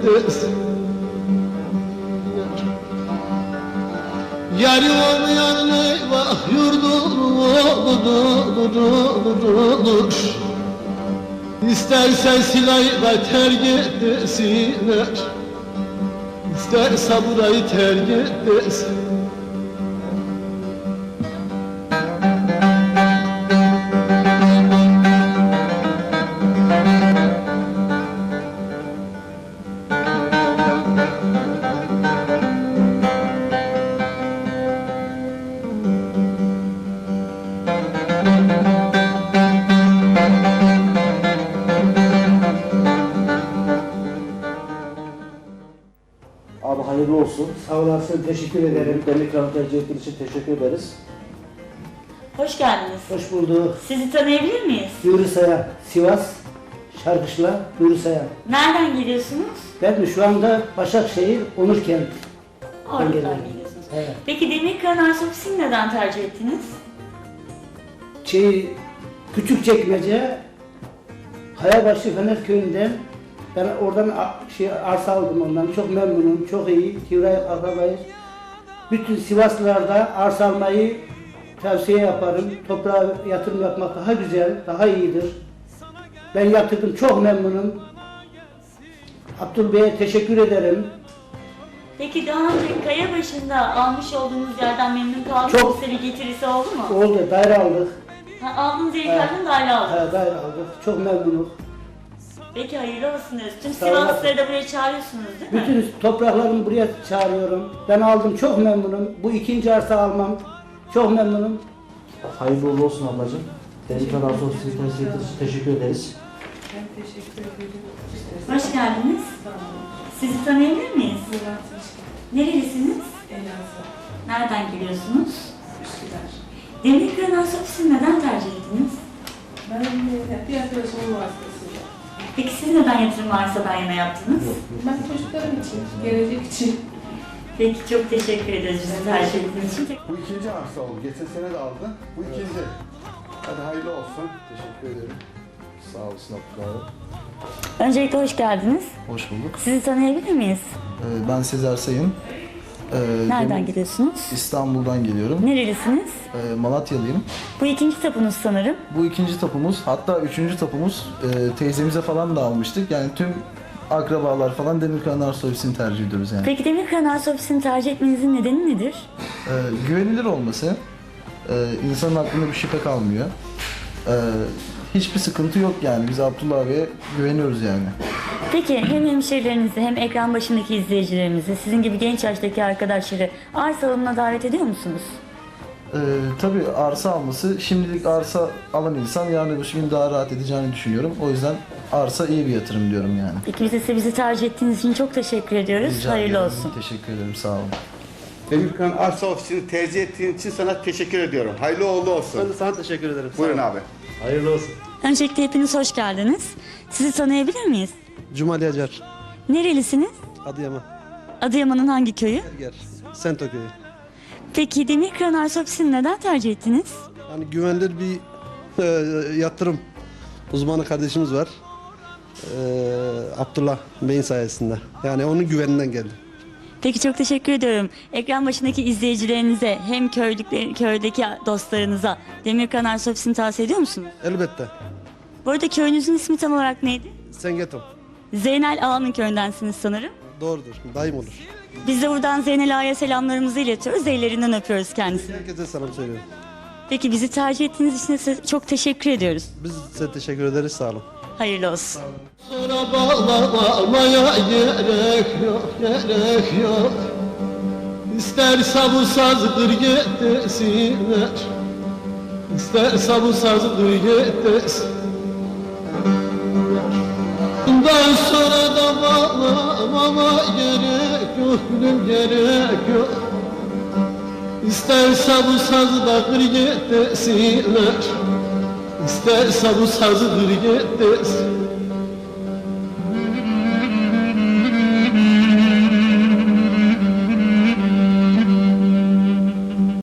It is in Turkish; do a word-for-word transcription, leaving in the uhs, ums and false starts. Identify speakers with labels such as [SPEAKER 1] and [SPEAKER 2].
[SPEAKER 1] desin. Yari olmayan eyvah yurdum olur olur olur olur. İstersen silahı da terk etsinler, İsterse burayı terk etsin.
[SPEAKER 2] Abi hayırlı olsun.
[SPEAKER 3] Sağ olasın, teşekkür ederim.
[SPEAKER 2] Demir Kral tercih ettiğiniz için teşekkür ederiz.
[SPEAKER 4] Hoş geldiniz.
[SPEAKER 3] Hoş bulduk.
[SPEAKER 4] Sizi tanıyabilir miyiz?
[SPEAKER 3] Nuri Sayan, Sivas, Şarkışla, Nuri Sayan.
[SPEAKER 4] Nereden geliyorsunuz?
[SPEAKER 3] Ben de şu anda Başakşehir, Onurkent.
[SPEAKER 4] Oradan
[SPEAKER 3] geliyorum.
[SPEAKER 4] geliyorsunuz.
[SPEAKER 3] Evet.
[SPEAKER 4] Peki Demirkıran Arşivisi'ni neden tercih ettiniz?
[SPEAKER 3] Şey, Küçükçekmece, Kayabaşı Fener Köyü'nden ben oradan a- şey, arsa aldım ondan. Çok memnunum, çok iyi. Tivray akrabayız. Bütün Sivaslılarda arsa almayı tavsiye yaparım. Toprağa yatırım yapmak daha güzel, daha iyidir. Ben yatırdım, çok memnunum. Abdül Bey'e teşekkür ederim.
[SPEAKER 4] Peki daha önce kaya başında almış olduğunuz yerden memnun kaldınız mı?
[SPEAKER 3] Çok.
[SPEAKER 4] Size bir getirisi oldu mu?
[SPEAKER 3] Oldu, daire aldık.
[SPEAKER 4] Ha, aldığınız yerlerden daire aldınız.
[SPEAKER 3] He, daire aldık. Çok memnunum.
[SPEAKER 4] Peki hayırlı olsun diyoruz. Tüm
[SPEAKER 3] Sağ olun.
[SPEAKER 4] Sivaslıları da buraya çağırıyorsunuz değil mi?
[SPEAKER 3] Bütün topraklarımı buraya çağırıyorum. Ben aldım, çok memnunum. Bu ikinci arsa almam. Çok memnunum.
[SPEAKER 2] Hayırlı uğurlu olsun ablacığım. Demir Kral Arşivisi'ni tercih ettiğiniz için teşekkür ederiz.
[SPEAKER 5] Ben teşekkür ederim.
[SPEAKER 4] Hoş geldiniz.
[SPEAKER 5] Sağ olun.
[SPEAKER 4] Sizi tanıyabilir miyiz?
[SPEAKER 5] Murat Hoşkan,
[SPEAKER 4] Nerelisiniz?
[SPEAKER 5] Elazığ,
[SPEAKER 4] Nereden geliyorsunuz?
[SPEAKER 5] Üsküdar.
[SPEAKER 4] Demirkıran Arşivisi'ni neden tercih ettiniz?
[SPEAKER 5] Ben de bir arkadaşımın vasıtasıyla.
[SPEAKER 4] Peki siz neden yatırım arsadan yana yaptınız?
[SPEAKER 5] Ben çocuklarım için, gelecek için.
[SPEAKER 4] Peki çok teşekkür ederiz bizi tercih ettiğiniz için.
[SPEAKER 6] Bu ikinci arsa oldu. Geçen sene de aldı. Bu ikinci. Hadi hayırlı olsun.
[SPEAKER 7] Teşekkür ederim. Sağ olasın Abdullah abi.
[SPEAKER 4] Öncelikle hoş geldiniz.
[SPEAKER 7] Hoş bulduk.
[SPEAKER 4] Sizi tanıyabilir miyiz?
[SPEAKER 7] Ee, ben Sezer Sayın. Ee,
[SPEAKER 4] Nereden
[SPEAKER 7] benim
[SPEAKER 4] geliyorsunuz?
[SPEAKER 7] İstanbul'dan geliyorum.
[SPEAKER 4] Nerelisiniz?
[SPEAKER 7] Ee, Malatyalıyım.
[SPEAKER 4] Bu ikinci tapunuz sanırım.
[SPEAKER 7] Bu ikinci tapumuz, hatta üçüncü tapumuz e, teyzemize falan da almıştık. Yani tüm akrabalar falan Demirkıran Arşivisi'ni tercih ediyoruz yani.
[SPEAKER 4] Peki Demirkıran Arşivisi'ni tercih etmenizin nedeni nedir?
[SPEAKER 7] Ee, güvenilir olması, e, insanın aklında bir şüphe kalmıyor. Ee, hiçbir sıkıntı yok yani. Biz Abdullah abiye güveniyoruz yani.
[SPEAKER 4] Peki hem hemşehrilerinizi hem ekran başındaki izleyicilerimizi, sizin gibi genç yaştaki arkadaşları arsa alımına davet ediyor musunuz?
[SPEAKER 7] Ee, tabii arsa alması, şimdilik arsa alan insan yarın öbür gün daha rahat edeceğini düşünüyorum. O yüzden arsa iyi bir yatırım diyorum yani.
[SPEAKER 4] Peki biz de size bizi tercih ettiğiniz için çok teşekkür ediyoruz.
[SPEAKER 7] Rica
[SPEAKER 4] Hayırlı
[SPEAKER 7] ederim.
[SPEAKER 4] olsun.
[SPEAKER 7] Teşekkür ederim, sağ olun.
[SPEAKER 6] Demirkan Arsa Ofisi'ni tercih ettiğin için sana teşekkür ediyorum. Hayırlı uğurlu olsun.
[SPEAKER 2] Ben de sana teşekkür ederim.
[SPEAKER 6] Buyurun abi.
[SPEAKER 2] Hayırlı olsun.
[SPEAKER 4] Öncelikle hepiniz hoş geldiniz. Sizi tanıyabilir miyiz?
[SPEAKER 8] Cumali Acar,
[SPEAKER 4] Nerelisiniz?
[SPEAKER 8] Adıyaman,
[SPEAKER 4] Adıyaman'ın hangi köyü?
[SPEAKER 8] Erger, Sento köyü.
[SPEAKER 4] Peki Demirkıran Arşivisi'ni neden tercih ettiniz?
[SPEAKER 8] Yani güvenilir bir e, yatırım uzmanı kardeşimiz var. E, Abdullah Bey'in sayesinde. Yani onun güveninden geldi.
[SPEAKER 4] Peki çok teşekkür ediyorum. Ekran başındaki izleyicilerinize hem köylükler, köydeki dostlarınıza Demirkıran Arşivisi'ni tavsiye ediyor musunuz?
[SPEAKER 8] Elbette.
[SPEAKER 4] Bu arada köyünüzün ismi tam olarak neydi?
[SPEAKER 8] Sengetom.
[SPEAKER 4] Zeynel Ağa'nın köyündensiniz sanırım.
[SPEAKER 8] Doğrudur. Daim olur.
[SPEAKER 4] Biz de buradan Zeynel Ağa'ya selamlarımızı iletiyoruz. Ellerinden öpüyoruz kendisini.
[SPEAKER 8] Herkese selam söylüyorum.
[SPEAKER 4] Peki bizi tercih ettiğiniz için de size çok teşekkür ediyoruz.
[SPEAKER 8] Biz size teşekkür ederiz. Sağ olun.
[SPEAKER 4] Hayırlı olsun.
[SPEAKER 1] Sonra bağlamaya gerek yok, gerek yok. İsterse bu sazdır getirsinler, İsterse bu sazdır getirsinler. Bundan sonra da bağlamama gerek yok, gülüm gerek yok. İsterse bu sazı da kır getirsinler, İsterse bu sazı kır getirsinler.